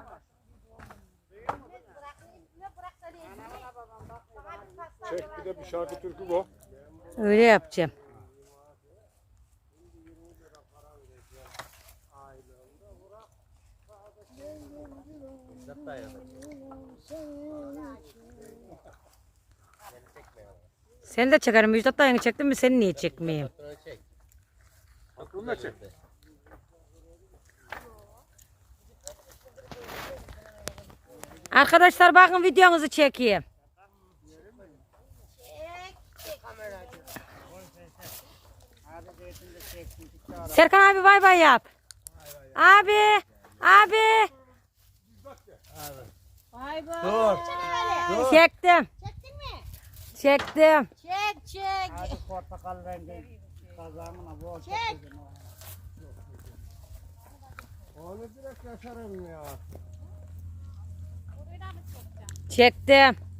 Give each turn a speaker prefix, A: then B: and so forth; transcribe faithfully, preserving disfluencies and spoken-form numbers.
A: Çek bir de bir şarkı türkü bu.
B: Öyle yapacağım. Seni de çekerim. Müjdat dayını çektin mi? Seni niye çekmeyeyim?
A: Aklımda çek.
B: Arkadaşlar bakın videonuzu çekeyim. Serkan abi bay bay yap. Abi, abi.
C: Bay bay.
D: Dur. Dur.
B: Çektim.
C: Çektin mi?
B: Çektim.
C: Çek çek.
D: Hadi portakal rengi kazanına bol
C: Çek.
D: Onu direkt yaşarım ya.
B: Çektim.